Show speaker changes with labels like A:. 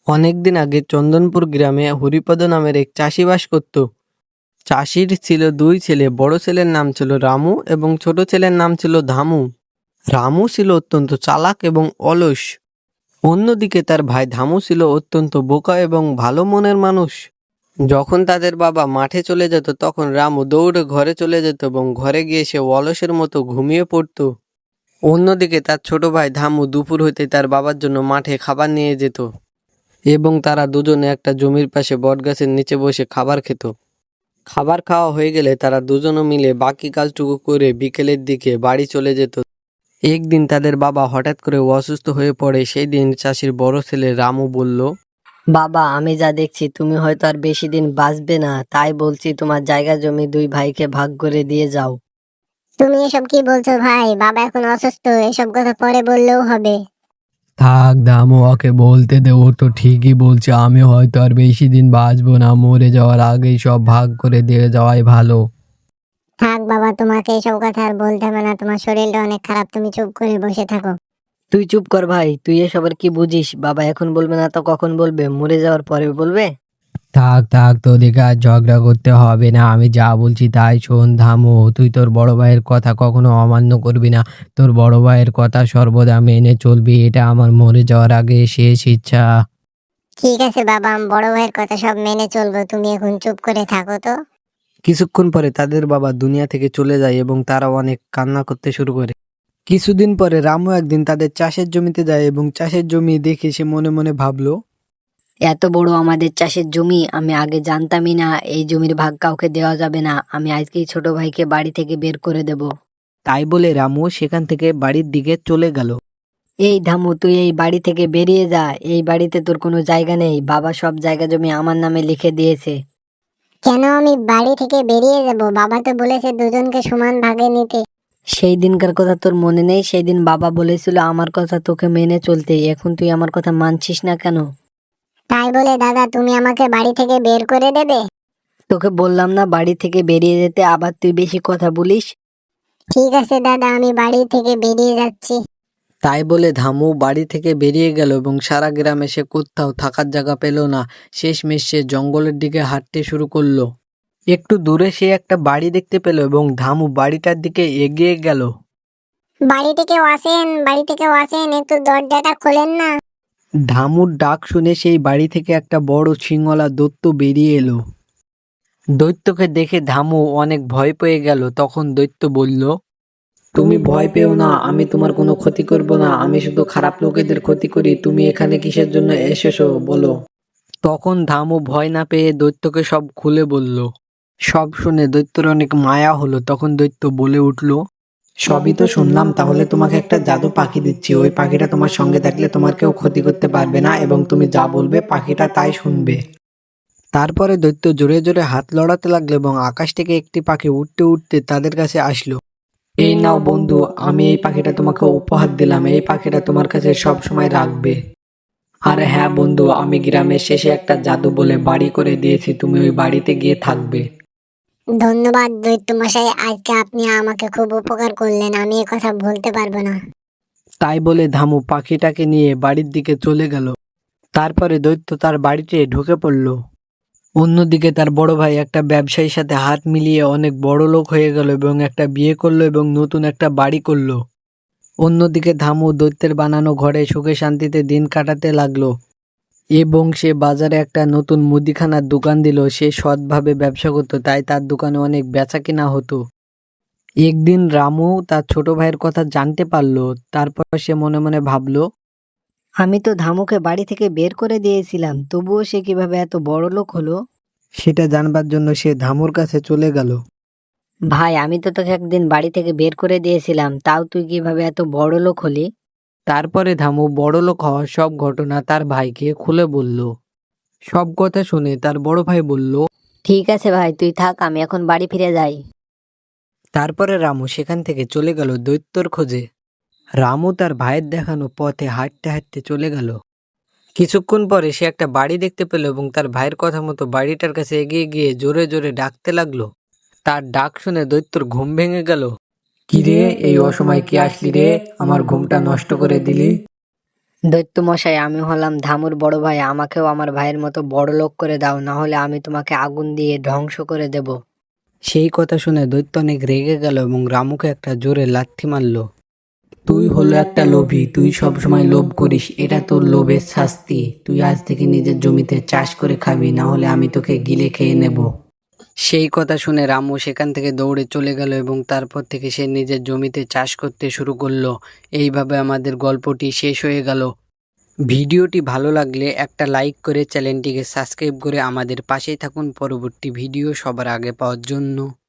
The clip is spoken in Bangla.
A: অনেকদিন আগে চন্দনপুর গ্রামে হরিপদ নামের এক চাষি বাস করত। চাষির ছিল দুই ছেলে, বড় ছেলের নাম ছিল রামু এবং ছোট ছেলের নাম ছিল ধামু। রামু ছিল অত্যন্ত চালাক এবং অলস। অন্যদিকে তার ভাই ধামু ছিল অত্যন্ত বোকা এবং ভালো মনের মানুষ। যখন তাদের বাবা মাঠে চলে যেত তখন রামু দৌড়ে ঘরে চলে যেত এবং ঘরে গিয়ে সে অলসের মতো ঘুমিয়ে পড়তো। অন্যদিকে তার ছোট ভাই ধামু দুপুর হইতে তার বাবার জন্য মাঠে খাবার নিয়ে যেত এবং তারা দুজনে একটা জমির পাশে বটগাছের নিচে বসে খাবার খেত। খাবার খাওয়া হয়ে গেলে তারা দুজনে মিলে বাকি কাজটুকু করে বিকেলের দিকে বাড়ি চলে যেত। একদিন তাদের বাবা হঠাৎ করে অসুস্থ হয়ে পড়ে। সেই দিন চাষির বড় ছেলে রামু বলল,
B: বাবা, আমি যা দেখছি তুমি হয়তো আর বেশি দিন বাঁচবে না, তাই বলছি তোমার জায়গা জমি দুই ভাইকে ভাগ করে দিয়ে যাও।
C: তুমি এসব কি বলছো ভাই? বাবা এখন অসুস্থ, এসব কথা পরে বললেও হবে।
D: থাক দামু, ওকে বলতে দে, ও তো ঠিকই বলছে। আমি হয়তো আর বেশি দিন বাঁচবো না, মরে যাওয়ার আগেই সব ভাগ করে দিয়ে যাওয়াই ভালো।
C: থাক বাবা, তোমাকে এসব কথা আর বলতে হবে না, তোমার শরীরটা অনেক খারাপ, তুমি চুপ করে বসে থাকো।
B: তুই চুপ কর ভাই, তুই এসবের কি বুঝিস? বাবা এখন বলবে না তো কখন বলবে? মরে যাওয়ার পরে বলবে।
D: থাক থাক, তোদেরকে আর ঝগড়া করতে হবে না। আমি যা বলছি তাই শোন ধামু, তুই তোর বড় ভাইয়ের কথা কখনো অমান্য করবি না। তোর বড় ভাইয়ের কথা সর্বদা মেনে চলবি, এটা আমার মরে যাওয়ার আগে শেষ ইচ্ছা।
C: ঠিক আছে বাবা, আমি বড় ভাইয়ের কথা সব মেনে চলবো, তুমি এখন চুপ করে থাকো তো।
A: কিছুক্ষণ পরে তাদের বাবা দুনিয়া থেকে চলে যায় এবং তারা অনেক কান্না করতে শুরু করে। কিছুদিন পরে রামু একদিন তাদের চাষের জমিতে যায় এবং চাষের জমি দেখে সে মনে মনে ভাবলো,
B: এত বড় আমাদের চাষের জমি, আমি আগে জানতামই না এই জমির ভাগ কাউকে দেওয়া যাবে না। আমি আজকেই ছোট ভাইকে বাড়ি থেকে বের করে দেব।
A: তাই বলে রামু সেখান থেকে বাড়ির দিকে চলে গেল।
B: এই ধামু, তুই এই বাড়ি থেকে বেরিয়ে যা, এই বাড়িতে তোর কোনো জায়গা নেই। বাবা সব জায়গা জমি আমার নামে লিখে দিয়েছে।
C: কেন আমি বাড়ি থেকে বেরিয়ে যাব? বাবা তো বলেছে দুজনকে সমান ভাগে নিতে।
B: সেই দিনকার কথা তোর মনে নেই? সেই দিন বাবা বলেছিল আমার কথা তোকে মেনে চলতে, এখন তুই আমার কথা মানছিস না কেন?
C: তাই বলে দাদা তুমি আমাকে বাড়ি থেকে বের করে দেবে?
B: তোকে বললাম না বাড়ি থেকে বেরিয়ে যেতে, আবার তুই বেশি কথা বলিস।
C: ঠিক আছে দাদা, আমি বাড়ি থেকে বেরিয়ে যাচ্ছি।
A: তাই বলে ধামু বাড়ি থেকে বেরিয়ে গেল এবং সারা গ্রামে সে কোথাও থাকার জায়গা পেল না। শেষমেশ সে জঙ্গলের দিকে হাঁটতে শুরু করলো। একটু দূরে সে একটা বাড়ি দেখতে পেল এবং ধামু বাড়িটার দিকে এগিয়ে গেল।
C: বাড়িতে কেউ আসেন, বাড়িতে কেউ আসেন, একটু দরজাটা খোলেন না।
A: ধামুর ডাক শুনে সেই বাড়ি থেকে একটা বড় শিংওয়ালা দৈত্য বেরিয়ে এলো। দৈত্যকে দেখে ধামু অনেক ভয় পেয়ে গেল। তখন দৈত্য বলল, তুমি ভয় পেও না, আমি তোমার কোনো ক্ষতি করব না, আমি শুধু খারাপ লোকেদের ক্ষতি করি। তুমি এখানে কিসের জন্য এসেছো বলো। তখন ধামু ভয় না পেয়ে দৈত্যকে সব খুলে বলল। সব শুনে দৈত্যর অনেক মায়া হলো। তখন দৈত্য বলে উঠল, সবই তো শুনলাম, তাহলে তোমাকে একটা জাদু পাখি দিচ্ছি। ওই পাখিটা তোমার সঙ্গে থাকলে তোমার কেউ ক্ষতি করতে পারবে না এবং তুমি যা বলবে পাখিটা তাই শুনবে। তারপরে দৈত্য জোরে জোরে হাত লড়াতে লাগলো এবং আকাশ থেকে একটি পাখি উঠতে উঠতে তাদের কাছে আসলো। এই নাও বন্ধু, আমি এই পাখিটা তোমাকে উপহার দিলাম, এই পাখিটা তোমার কাছে সব সময় রাখবে। আর হ্যাঁ বন্ধু, আমি গ্রামের শেষে একটা জাদু বলে বাড়ি করে দিয়েছি, তুমি ওই বাড়িতে গিয়ে থাকবে।
C: ধন্যবাদ দৈত্য মশাই, আজকে আপনি আমাকে খুব উপকার করলেন, আমি এ কথা ভুলতে পারবো না।
A: তাই বলে ধামু পাখিটাকে নিয়ে বাড়ির দিকে চলে গেল। তারপরে দৈত্য তার বাড়িতে ঢুকে পড়ল। অন্যদিকে তার বড় ভাই একটা ব্যবসায়ীর সাথে হাত মিলিয়ে অনেক বড় লোক হয়ে গেল এবং একটা বিয়ে করলো এবং নতুন একটা বাড়ি করলো। অন্যদিকে ধামু দৈত্যের বানানো ঘরে সুখে শান্তিতে দিন কাটাতে লাগলো এবং সে বাজারে একটা নতুন মুদিখানার দোকান দিল। সে সৎভাবে ব্যবসা করতো, তাই তার দোকানে অনেক বেচা কিনা হতো। একদিন রামু তার ছোট ভাইয়ের কথা জানতে পারলো। তারপর সে মনে মনে ভাবলো,
B: আমি তো ধামুকে বাড়ি থেকে বের করে দিয়েছিলাম, তবুও সে কিভাবে এত বড় লোক হলো?
A: সেটা জানবার জন্য সে ধামুর কাছে চলে গেল।
B: ভাই, আমি তো তোকে একদিন বাড়ি থেকে বের করে দিয়েছিলাম, তাও তুই কিভাবে এত বড় লোক হলি?
A: তারপরে ধামু বড়লোক হওয়ার সব ঘটনা তার ভাইকে খুলে বলল। সব কথা শুনে তার বড় ভাই বলল,
B: ঠিক আছে ভাই, তুই থাক, আমি এখন বাড়ি ফিরে যাই।
A: তারপরে রামু সেখান থেকে চলে গেল দৈত্যর খোঁজে। রামু তার ভাইয়ের দেখানো পথে হাঁটতে হাঁটতে চলে গেল। কিছুক্ষণ পরে সে একটা বাড়ি দেখতে পেল এবং তার ভাইয়ের কথা মতো বাড়িটার কাছে এগিয়ে গিয়ে জোরে জোরে ডাকতে লাগলো। তার ডাক শুনে দৈত্যর ঘুম ভেঙে গেল। কি রে, এই অসময় কি আসলি রে? আমার ঘুমটা নষ্ট করে দিলি।
B: দৈত্য মশাই, আমি হলাম ধামুর বড় ভাই, আমাকেও আমার ভাইয়ের মতো বড় লোক করে দাও, না হলে আমি তোমাকে আগুন দিয়ে ধ্বংস করে দেব।
A: সেই কথা শুনে দৈত্য অনেক রেগে গেল এবং রামুকে একটা জোরে লাথি মারলো। তুই হলো একটা লোভী, তুই সব সময় লোভ করিস, এটা তোর লোভের শাস্তি। তুই আজ থেকে নিজের জমিতে চাষ করে খাবি, না হলে আমি তোকে গিলে খেয়ে নেব। সেই কথা শুনে রামু সেখান থেকে দৌড়ে চলে গেল এবং তারপর থেকে সে নিজের জমিতে চাষ করতে শুরু করলো। এইভাবে আমাদের গল্পটি শেষ হয়ে গেল। ভিডিওটি ভালো লাগলে একটা লাইক করে চ্যানেলটিকে সাবস্ক্রাইব করে আমাদের পাশেই থাকুন পরবর্তী ভিডিও সবার আগে পাওয়ার জন্য।